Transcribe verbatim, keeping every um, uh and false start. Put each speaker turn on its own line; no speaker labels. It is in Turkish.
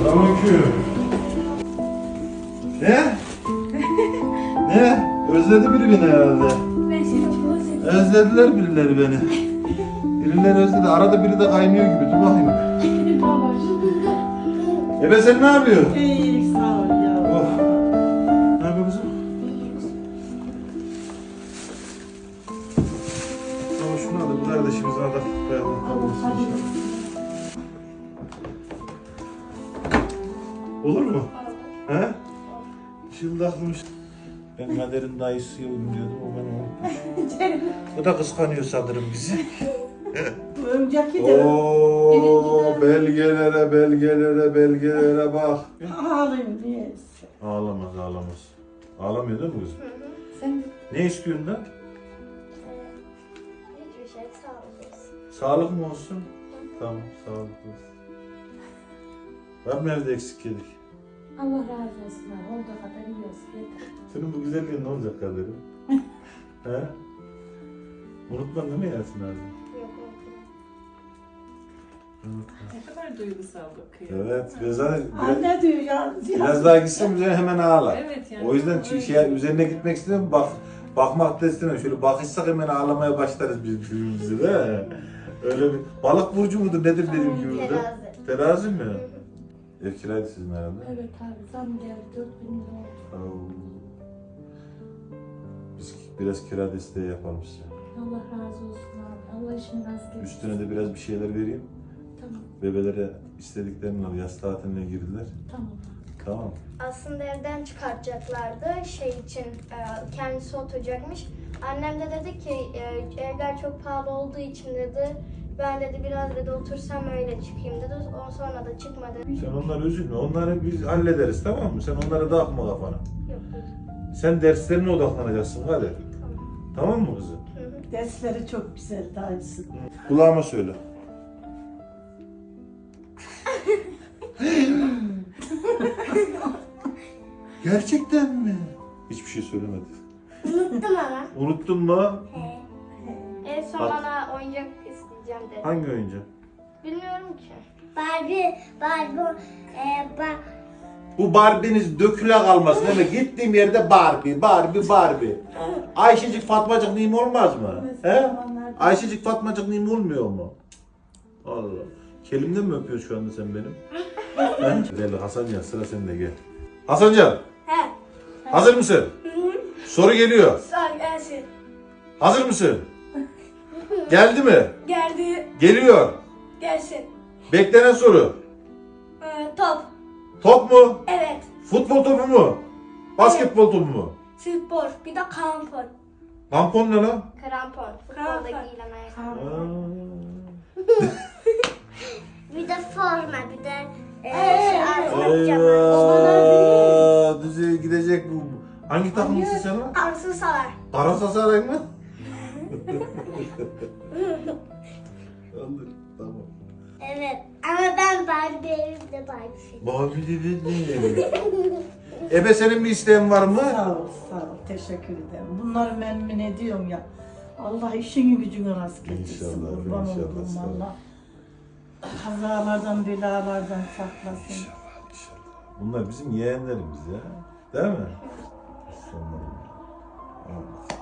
Selamünaleyküm. Ne? Ne? Özledi biri beni herhalde.
Ben seni çok özledim.
Özlediler birileri beni. Birileri özledi. Arada biri de kaynıyor gibi. Dur bakayım. Ebe sen ne yapıyorsun?
İyilik sağ ol ya.
Oh. Ne yapıyor kızım? Ama şunu al. Bu kardeşimize da koyalım. Olur mu? He? Şimdi aklımış. Ben Kader'in dayısıyım diyordum, o beni unutmuş. O da kıskanıyor sanırım bizi.
Bu önceki de
Ooo belgelere belgelere belgelere bak.
ağlayayım niyeyse.
Ağlamaz ağlamaz. Ağlamıyor değil mi kızım?
Sen
Ne istiyorsun da?
hiçbir şey sağ olasın.
Sağlık mı olsun? Tamam sağlık olsun. Var mı evde eksik yedik?
Allah razı olsun abi. Olduğu kadar iyi olsun. Yeter.
Senin bu güzelliğin ne olacak Kader'im? He? Unutma değil mi Yasin abi?
Yok yok.
Ne kadar duygusal bakıyor.
Evet, biraz daha, biraz,
Anne diyor ya.
biraz daha gitsin üzerine hemen ağlar.
Evet yani.
O yüzden
öyle.
şey, üzerine gitmek istemiyorum, bak, bakmak da istemiyorum. Şöyle bakışsak hemen ağlamaya başlarız biz birbirimize de. Öyle bir balık burcu mudur nedir dediğim gibi de.
Terazi.
Terazi mi? Ev kiraydı sizin herhalde.
Evet abi zam geldi. dört bin lira oldu.
Oo. Biz biraz kira desteği yapalım size.
Allah razı olsun abi. Allah işini rast getirsin.
Üstüne de biraz bir şeyler vereyim.
Tamam.
Bebelere istediklerini al. Yaz tatiline girdiler.
Tamam.
Tamam.
Aslında evden çıkartacaklardı şey için e, kendisi oturacakmış. Annem de dedi ki e, evler çok pahalı olduğu için dedi ben dedi biraz dedi otursam öyle çıkayım dedi. Ondan sonra da çıkmadı.
Sen onları üzülme. Onları biz hallederiz, tamam mı? Sen onlara takma kafana.
Yok
Sen derslerine odaklanacaksın hadi.
tamam.
Tamam mı kızım?
Hı hı.
Dersleri çok güzel dayısı.
Kulağıma söyle. Gerçekten mi? Hiçbir şey söylemedi.
Unuttum ama.
Unuttun mu?
En son
Bak.
bana oyuncak isteyeceğim dedi.
Hangi oyuncak?
Bilmiyorum ki.
Barbie, Barbie, e, ba
Bu Barbie'niz döküle kalmasın değil mi? Gittiğim yerde Barbie, Barbie, Barbie. Ayşecik Fatmacık neyim olmaz mı? He? Ayşecik Fatmacık neyim olmuyor mu? Allah. Kelimden mi öpüyorsun şu anda sen benim? He? Gel Hasancan, sıra sende, gel. Hasancan,
He.
hazır mısın? Soru geliyor.
Sağ gelsin.
Hazır mısın? Geldi mi?
Geldi.
Geliyor.
Gelsin.
Beklenen soru.
Ee, top.
Top mu?
Evet.
Futbol topu mu? Basketbol topu mu?
Spor. Bir de krampon.
Tampon ne lan?
Krampon. Futbolda giyilen ayakkabı.
Aa.
bir de forma, bir de e,
Ee,
şey,
Arsu
Eyvah! Düzeye gidecek bu. Hangi takımlısın sen lan?
Arsu Salar.
Galatasaray mı? Anladım, tamam.
evet. Ama ben Barbie evimde Barbie.
Babi dedi ne? Ebe senin bir isteğin var mı?
Sağ ol, sağ ol. Teşekkür ederim. Bunları memnun ediyorum ya. Allah işini gücünü rast getirsin.
İnşallah,
Kurban
inşallah,
olduğum
sağ ol.
Allah. Kazalardan, belalardan saklasın.
İnşallah, inşallah. Bunlar bizim yeğenlerimiz ya. Değil mi? Aslanlarım. Allah.